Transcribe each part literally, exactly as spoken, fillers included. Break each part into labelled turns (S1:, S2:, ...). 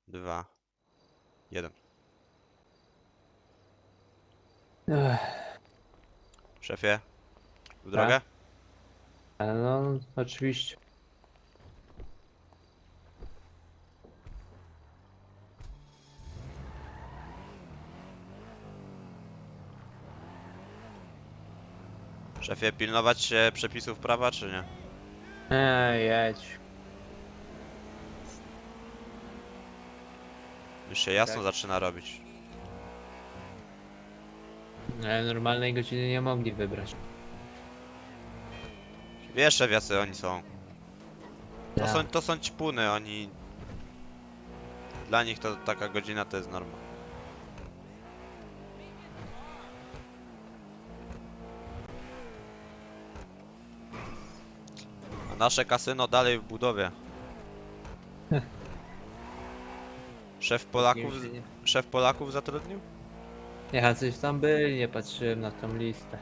S1: dwa, jeden.
S2: Ech,
S1: Szefie, w
S2: tak?
S1: drogę?
S2: Ale no, oczywiście.
S1: Szefie, pilnować się przepisów prawa, czy nie?
S2: Ej, jedź.
S1: Już się jasno
S2: Tak.
S1: zaczyna robić.
S2: Ale normalnej godziny nie mogli wybrać.
S1: Wiesz, szef, jacy oni są. To są,
S2: Tak.
S1: to są ćpuny, oni... Dla nich to taka godzina to jest norma. A nasze kasyno dalej w budowie. Szef Polaków, szef Polaków zatrudnił?
S2: Ja coś tam byli, nie patrzyłem na tą listę.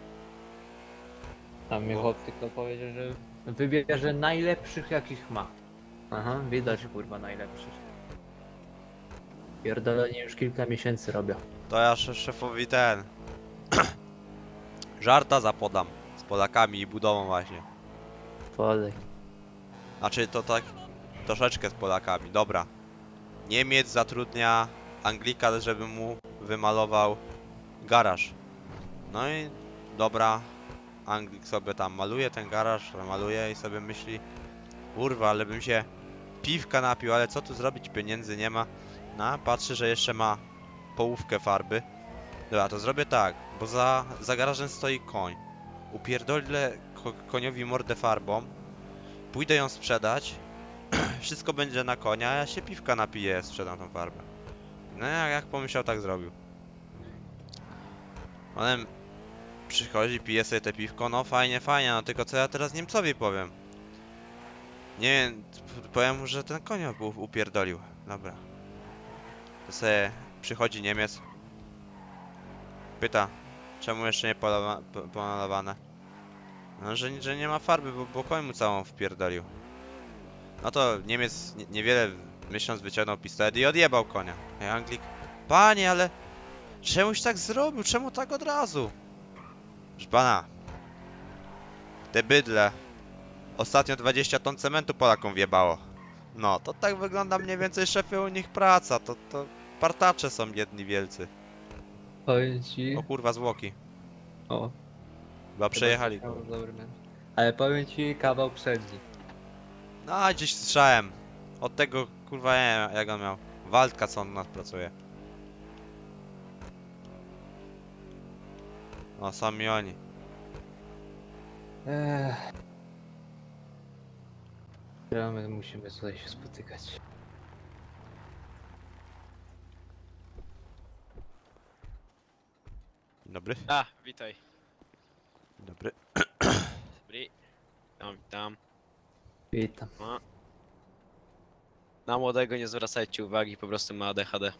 S2: Tam mi
S1: Bo-
S2: chłop tylko powiedział, że wybierze najlepszych jakich ma. Aha, widać kurwa najlepszych. Pierdolenie już kilka miesięcy robią.
S1: To ja sze- szefowi ten... Żarta zapodam. Z Polakami i budową właśnie.
S2: Podej.
S1: Znaczy to tak... Troszeczkę z Polakami, dobra. Niemiec zatrudnia Anglika, żeby mu wymalował garaż. No i dobra, Anglik sobie tam maluje ten garaż, maluje i sobie myśli, kurwa, ale bym się piwka napił, ale co tu zrobić, pieniędzy nie ma. No, patrzy, że jeszcze ma połówkę farby. Dobra, to zrobię tak, bo za, za garażem stoi koń. Upierdolę ko koniowi mordę farbą, pójdę ją sprzedać, wszystko będzie na konia, a ja się piwka napiję, sprzedam tą farbę. No jak, jak pomyślał, tak zrobił. Potem przychodzi, pije sobie te piwko, no fajnie, fajnie, no tylko co ja teraz Niemcowi powiem? Nie wiem, p- powiem mu, że ten konia był upierdolił. Dobra. To sobie przychodzi Niemiec. Pyta, czemu jeszcze nie polowa- po- pomalowane? No, że, że nie ma farby, bo, bo koń mu całą wpierdolił. No to Niemiec nie, niewiele myśląc wyciągnął pistolet i odjebał konia. A Anglik, panie, ale czemuś tak zrobił? Czemu tak od razu? Proszę pana, te bydle ostatnio dwadzieścia ton cementu Polakom wjebało. No, to tak wygląda mniej więcej, szefie, u nich praca. To, to partacze są jedni wielcy.
S2: Powiem ci.
S1: O kurwa, zwłoki.
S2: O,
S1: Chyba przejechali
S2: chyba
S1: go.
S2: coś miał dobry mecz. Ale powiem ci kawał przedni.
S1: No, a gdzieś słyszałem. Od tego, kurwa, nie wiem, jak on miał. Waldka, co on u nas pracuje. No, sami oni.
S2: Ech. Ja, my musimy tutaj się spotykać.
S1: Dzień dobry.
S3: A, witaj.
S1: Dzień dobry.
S3: Dobry. Witam, witam.
S2: Witam.
S3: No. Na młodego nie zwracajcie uwagi, po prostu ma A D H D.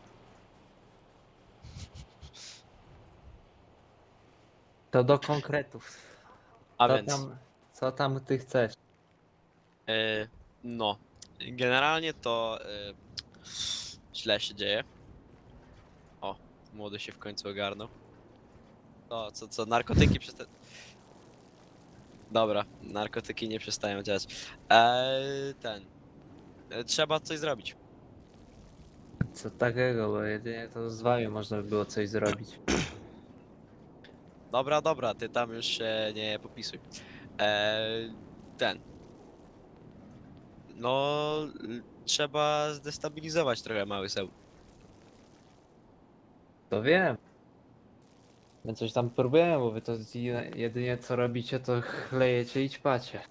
S2: To do konkretów.
S3: A
S2: Co
S3: więc,
S2: tam, co tam ty chcesz?
S3: e, no, generalnie to e, źle się dzieje. O, młody się w końcu ogarnął. O, co, co, narkotyki przesta... Dobra, narkotyki nie przestają działać. Eee, ten, e, trzeba coś zrobić.
S2: Co takiego, bo jedynie to z wami można by było coś zrobić.
S3: Dobra, dobra, ty tam już się nie popisuj. Eee, ten. No, l- trzeba zdestabilizować trochę mały Seul.
S2: To wiem. My coś tam próbujemy, bo wy to jedynie- jedynie co robicie to chlejecie i ćpacie.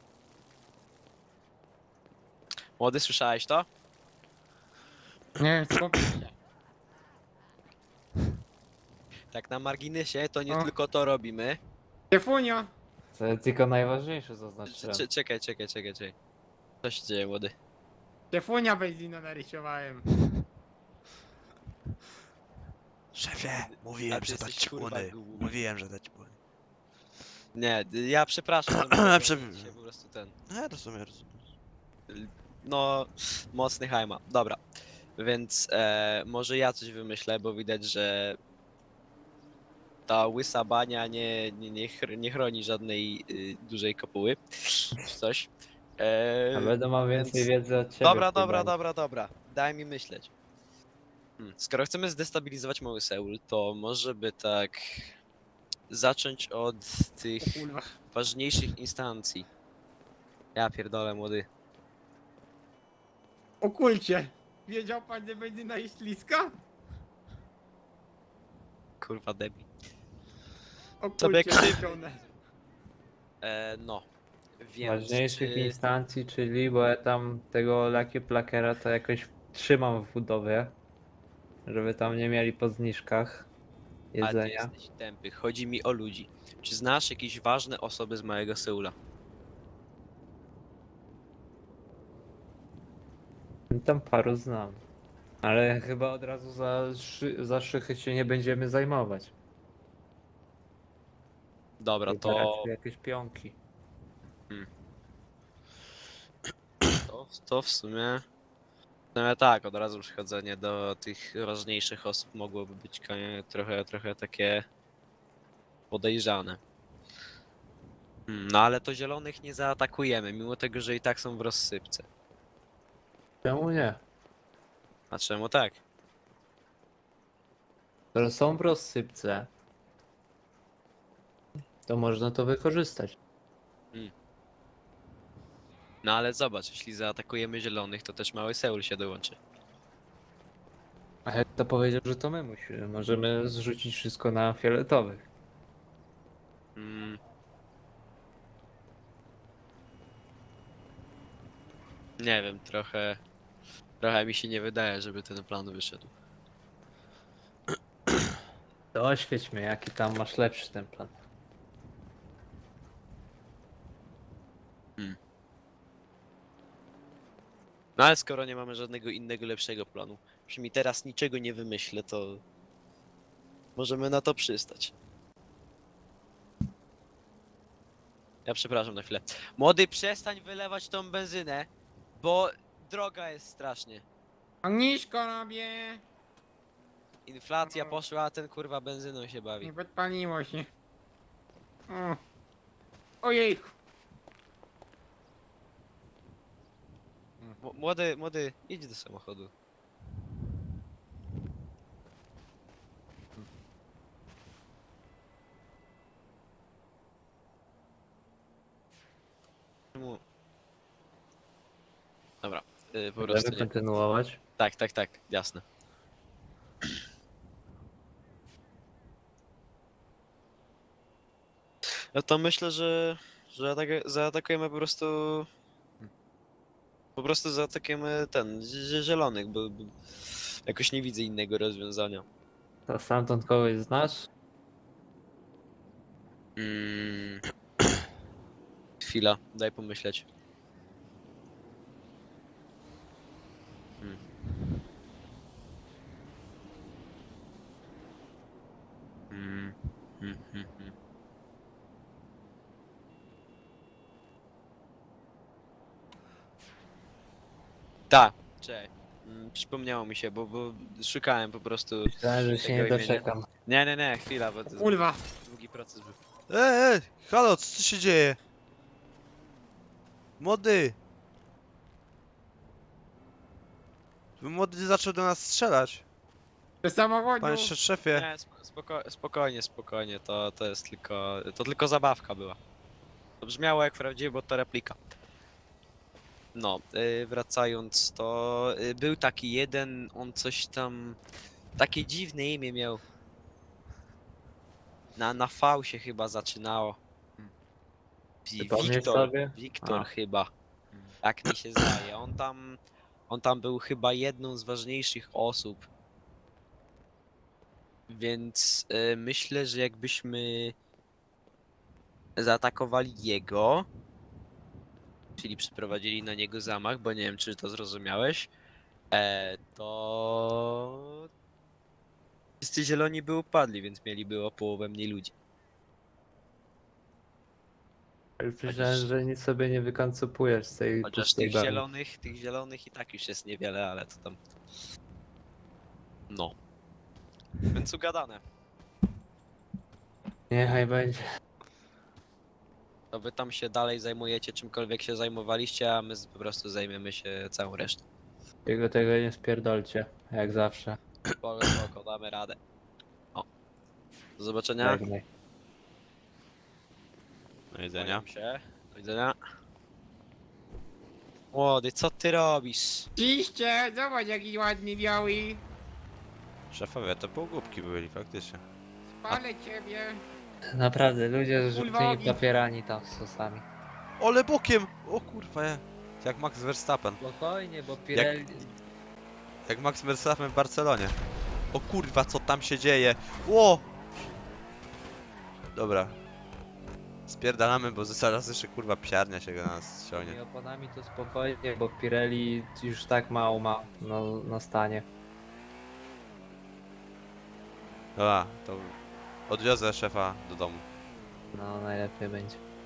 S3: Młody, słyszałeś to?
S4: Nie, spokojnie.
S3: Tak na marginesie, to nie
S4: O.
S3: tylko to robimy.
S4: Szefunio!
S2: To jest tylko najważniejsze
S3: Cze-
S2: zaznaczyłem.
S3: cze- Czekaj, czekaj, czekaj, czekaj. Co się dzieje, młody?
S4: Szefunia benzina narysowałem.
S1: Szefie,
S3: A
S1: mówiłem,
S3: ty
S1: że to
S3: jesteś, kurwa,
S1: ćpuny.
S3: głupi.
S1: Mówiłem, że to ćpuny.
S3: Nie, ja przepraszam, że mogę
S1: Prze-
S3: powiedzieć się po prostu ten.
S1: No, ja rozumiem, rozumiem.
S3: No, mocny hajma. Dobra. Więc e, może ja coś wymyślę, bo widać, że ta łysa bania nie, nie, nie, chr- nie chroni żadnej y, dużej kopuły, czy coś. E,
S2: A będę miał więcej
S3: więc-
S2: wiedzy od ciebie.
S3: Dobra,
S2: w tej
S3: dobra,
S2: bani.
S3: dobra, dobra. Daj mi myśleć. Hmm. Skoro chcemy zdestabilizować Mały Seul, to może by tak zacząć od tych
S4: O kurwa.
S3: ważniejszych instancji. Ja pierdolę, młody.
S4: O kulcie. Wiedział pan, że benzyna jest śliska?
S3: Kurwa debil.
S4: O
S3: Tobie
S4: kulcie
S3: krzywdy.
S4: robione.
S3: E, no. Więc
S2: Ważniejszych
S3: czy...
S2: instancji, czyli bo ja tam tego Lucky Plakera to jakoś trzymam w budowie, żeby tam nie mieli po zniżkach
S3: A ty
S2: jedzenia.
S3: jesteś tępy. Chodzi mi o ludzi. Czy znasz jakieś ważne osoby z Małego Seula?
S2: Tam paru znam. Ale chyba od razu za, szy, za szychy się nie będziemy zajmować.
S3: Dobra,
S2: Chyba
S3: to,
S2: raczej jakieś pionki.
S3: to, to w sumie... W sumie tak, od razu przychodzenie do tych ważniejszych osób mogłoby być konie- trochę, trochę takie podejrzane. Hmm, no ale to zielonych nie zaatakujemy, mimo tego, że i tak są w rozsypce.
S2: Czemu nie?
S3: A czemu tak?
S2: Skoro są w rozsypce, to można to wykorzystać.
S3: No ale zobacz, jeśli zaatakujemy zielonych, to też Mały Seul się dołączy.
S2: A jak to powiedział, że to my musimy? Możemy zrzucić wszystko na fioletowych.
S3: Mm. Nie wiem, trochę... Trochę mi się nie wydaje, żeby ten plan wyszedł.
S2: To oświeć mnie, jaki tam masz lepszy ten plan.
S3: No ale skoro nie mamy żadnego innego lepszego planu, przynajmniej teraz niczego nie wymyślę, to możemy na to przystać. Ja przepraszam na chwilę. Młody, przestań wylewać tą benzynę, bo droga jest strasznie.
S4: Ognisko robię.
S3: Inflacja poszła, a ten kurwa benzyną się bawi.
S4: Nie podpaliło się. O. Ojejku.
S3: M- Młody, młody, idź do samochodu. Czemu? Dobra, yy, po prostu
S2: Możemy
S3: nie.
S2: kontynuować.
S3: Tak, tak, tak, jasne. No to myślę, że, że atak- zaatakujemy po prostu... Po prostu zaatakujemy ten, zie- zielonych, bo, bo jakoś nie widzę innego rozwiązania.
S2: To stamtąd kogoś znasz?
S3: Mm. Chwila, daj pomyśleć. Hmm. Mm. Hmm, hmm, hmm. Tak, czekaj. Mm, Przypomniało mi się, bo, bo szukałem po prostu.
S2: Myślałem, że się
S3: Tego
S2: nie
S3: imienia.
S2: doczekam.
S3: Nie, nie, nie, chwila, bo to
S4: Kurwa.
S3: długi proces był.
S1: Ej, ej, halo, co tu się dzieje? Młody! Młody zaczął do nas strzelać.
S4: Do samochodu.
S1: Panie sz- szefie.
S3: Nie, spo- spoko spokojnie, spokojnie, to, to jest tylko, to tylko zabawka była. To brzmiało jak prawdziwe, bo to replika. No, yy, wracając, to yy, był taki jeden, on coś tam, takie dziwne imię miał. Na, na V się chyba zaczynało. Wi-
S2: Przypomnieć
S3: Wiktor,
S2: sobie?
S3: Wiktor
S2: A.
S3: chyba. Tak mi się zdaje. On tam, on tam był chyba jedną z ważniejszych osób. Więc y, myślę, że jakbyśmy zaatakowali jego, czyli przeprowadzili na niego zamach, bo nie wiem, czy to zrozumiałeś, e, to wszyscy zieloni by upadli, więc mieliby o połowę mniej ludzi.
S2: Już myślałem, że nic sobie nie wykoncupujesz z tej
S3: Chociaż
S2: pustej
S3: tych
S2: bani.
S3: zielonych, tych zielonych i tak już jest niewiele, ale to tam No. Więc ugadane.
S2: Niechaj będzie.
S3: To wy tam się dalej zajmujecie czymkolwiek się zajmowaliście, a my z- po prostu zajmiemy się całą resztą.
S2: Tylko tego nie spierdolcie, jak zawsze.
S3: Spoko, spoko, damy radę. O. Do zobaczenia.
S2: Żegnaj.
S1: Do widzenia.
S3: Kłaniam się. Do widzenia. Młody, co ty robisz?
S4: Ciście, zobacz jaki ładny biały.
S1: Szefowie, to półgłupki byli faktycznie.
S4: Spalę ciebie.
S2: Naprawdę, ludzie z żółtymi
S4: Ulwowi.
S2: papierami tam z sosami.
S1: Ole bokiem! O kurwa, je. Jak Max Verstappen.
S2: Spokojnie, bo Pirelli...
S1: Jak Max Verstappen w Barcelonie. O kurwa, co tam się dzieje? Ło! Dobra. Spierdalamy, bo zaraz jeszcze kurwa psiarnia się na nas ściągnie.
S2: tymi oponami to spokojnie, bo Pirelli już tak mało ma na, na stanie.
S1: Dobra, to odwiozę szefa do domu.
S2: No, najlepiej będzie.